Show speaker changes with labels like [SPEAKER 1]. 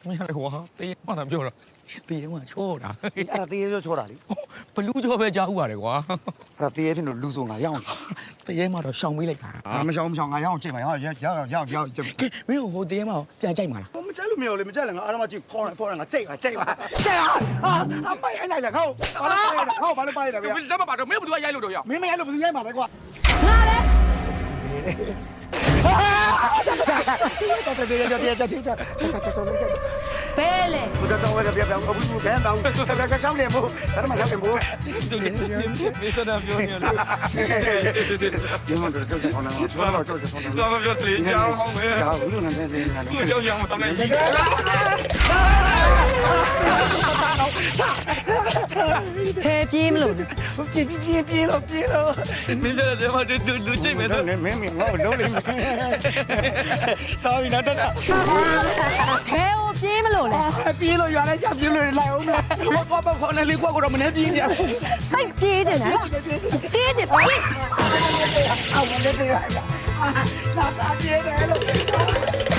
[SPEAKER 1] မရလေကွာတေးမှသာပြောတော့တေးမှချောတာ
[SPEAKER 2] အဲ့ဒါတေးရဲချောတာလေ
[SPEAKER 1] ဘလူးချောပဲကြားဥပါတယ်ကွာ
[SPEAKER 2] အဲ့ဒါတေးရဲဖြစ်လို့လူဆိုငါရအောင်
[SPEAKER 1] တေးမှတော့ရှောင်ပေးလိုက်တာ
[SPEAKER 2] ငါမရှောင်ငါရအောင်ချိန်ပါရအောင်ကြည့်
[SPEAKER 1] ကဲမင်းဟိုတေးမှပြန်ကြိုက်မှာလား
[SPEAKER 2] မကြိုက်လို့မရလေမကြိုက်လည်းငါအားမကြည့်ဖောင်းငါကြိတ်ပါအမိုက်လိုက်လေခေါဘာလို့ပါရလဲဗျာ
[SPEAKER 1] လက်မပါတော့မင်းဘယ်သူကရိုက်လို့တော့ရ
[SPEAKER 2] မင်းမရလို့ဘယ်သူရိုက်မှာလဲကွာ
[SPEAKER 3] ငါလည်း ဘယ်လဲ
[SPEAKER 2] 不知道我这边我不是边上，这上脸不，咱们上脸不。
[SPEAKER 1] ဒီစတာပြောနေတယ်
[SPEAKER 2] 因为这好难，说到就是好难。
[SPEAKER 1] တော့ပြောတေးကြောင်းဟောင်းပဲ
[SPEAKER 2] 然后无论哪边哪
[SPEAKER 1] သူ့ကြောင်းကြောင်းမတမ်းနိုင်ဘူး
[SPEAKER 3] ဖဲပြေးမလို့
[SPEAKER 2] 别了。
[SPEAKER 1] မင်းတဲ့မှာတူချိတ်မယ်ဆို
[SPEAKER 2] 没我楼里面。到底哪真的？
[SPEAKER 3] ဖဲကိုပြေးမလို့လဲ
[SPEAKER 2] 别了，原来像别人来我们，我光把放那里过我们那边的。
[SPEAKER 3] စိတ်ပြေးတယ်နော်ပြေးတယ်ပြေး
[SPEAKER 2] 啊，我那边呀，那咋别来了？